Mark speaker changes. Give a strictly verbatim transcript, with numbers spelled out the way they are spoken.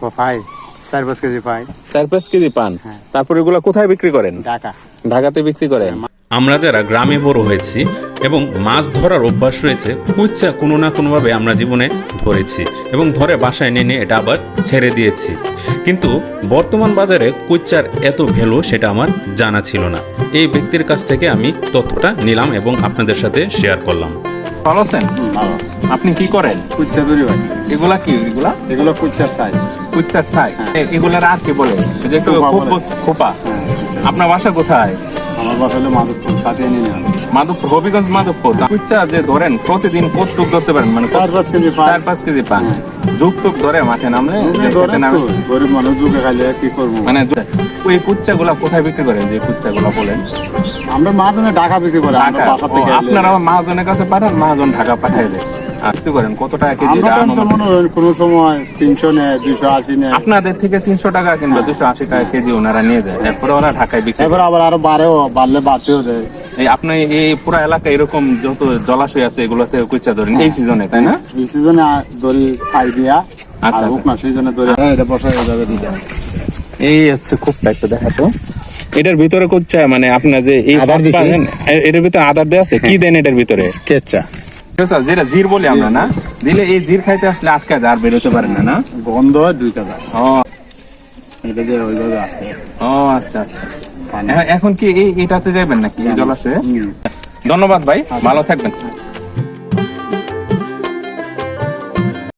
Speaker 1: পাই চার পাঁচ কেজি পাই।
Speaker 2: চার পাঁচ কেজি পান।
Speaker 1: হ্যাঁ।
Speaker 2: তারপর এগুলো কোথায় বিক্রি করেন?
Speaker 1: ঢাকা।
Speaker 2: ঢাকাতে বিক্রি করেন। আমরা যারা গ্রামে বড় হয়েছি এবং মাছ ধরার অভ্যাস রয়েছে, কুচ্চা কোনো না কোনোভাবে আমরা জীবনে ধরেছি এবং ধরে বাসায় এনে নিয়ে এটা আবার ছেড়ে দিয়েছি। কিন্তু বর্তমান বাজারে কুচ্চার এত ভ্যালু সেটা আমার জানা ছিল না। এই ব্যক্তির কাছ থেকে আমি তথ্যটা নিলাম এবং আপনাদের সাথে শেয়ার করলাম। ভালো আছেন?
Speaker 1: ভালো।
Speaker 2: আপনি কি করেন?
Speaker 1: কুচ্চা ধরি ভাই।
Speaker 2: এগুলা কি? এগুলা
Speaker 1: এগুলো কুচ্চার সাইজ।
Speaker 2: কুচ্চার সাই। এগুলার আর কি বলে? যে একটু
Speaker 1: খোপা
Speaker 2: খোপ-
Speaker 1: বলে।
Speaker 2: খোপা। আপনার বাসা কোথায়?
Speaker 1: আমার বাসা হলো মাধবপুর, সাথে নিয়ে নেওয়া।
Speaker 2: মাধবপুর, হবিগঞ্জ মাধবপুর। কুচ্চা যে ধরেন প্রতিদিন কতটুক ধরতে পারেন? মানে
Speaker 1: চার পাঁচ কেজি পাই।
Speaker 2: চার পাঁচ কেজি পান। যুগ টুক ধরে মাঠে নামলে যে
Speaker 1: ধরে
Speaker 2: খেতে নামে।
Speaker 1: তো, গরিব মানুষ দুঃখে খাইলে কি করবো?
Speaker 2: মানে ওই কুচ্চা গুলা কোথায় বিক্রি করেন? যে কুচ্চা গুলা বলেন
Speaker 1: আমরা মাধ্যমে ঢাকা বিক্রি করে আমরা
Speaker 2: ঢাকা।
Speaker 1: বাসা
Speaker 2: ও,
Speaker 1: থেকে
Speaker 2: আপনারা মহাজনের কাছে পাঠান, মহাজন ঢাকা পাঠাই দেয়। আর কি করেন? কত টাকা কেজি?
Speaker 1: আমরা
Speaker 2: এটা
Speaker 1: তো
Speaker 2: আনুমানিক?
Speaker 1: মনে হয় কোনো সময় তিনশো নেয়, দুইশো আশি নেয়।
Speaker 2: আপনাদের থেকে তিনশো টাকা কিংবা দুশো আশি টাকা কেজি ওনারা নিয়ে যায়, এরপরে ওরা ঢাকায় বিক্রি করে।
Speaker 1: এবার আবার আরো বাড়েও, বাড়লে বাড়তেও দেয়।
Speaker 2: এই আপনি এই পুরো এলাকায় এরকম যত জলাশয় আছে এগুলোতে কুচ্চা ধরেন এই সিজনে, তাই না?
Speaker 1: এই সিজনে দড়ি ছাই দিয়া,
Speaker 2: আচ্ছা,
Speaker 1: আর হোক না সিজনে দড়ি। হ্যাঁ, এটা বসাই যাবে দিতে।
Speaker 2: এই হচ্ছে খুবটা একটু দেখাতো। এটার ভিতরে কুচ্চা মানে আপনার যে এই
Speaker 1: আদার দিছি।
Speaker 2: পাবেন, এ- এটার ভিতরে আদার দেওয়া আছে। কি দেন এটার ভিতরে?
Speaker 1: কেচ্চা
Speaker 2: আচ্ছা, যেটা জির বলি আমরা না, দিলে এই জির খাইতে আসলে আটকা যায় আর বেরোতে পারে না, না?
Speaker 1: গন্ধ হয় দুই কাজা।
Speaker 2: ও
Speaker 1: এটা দিয়ে ওইভাবে আসে।
Speaker 2: ও আচ্ছা আচ্ছা। এ- এখন কি এই এটাতে যাবেন নাকি এই জলাশয়ে?
Speaker 1: হুম।
Speaker 2: ধন্যবাদ ভাই, ভালো থাকবেন।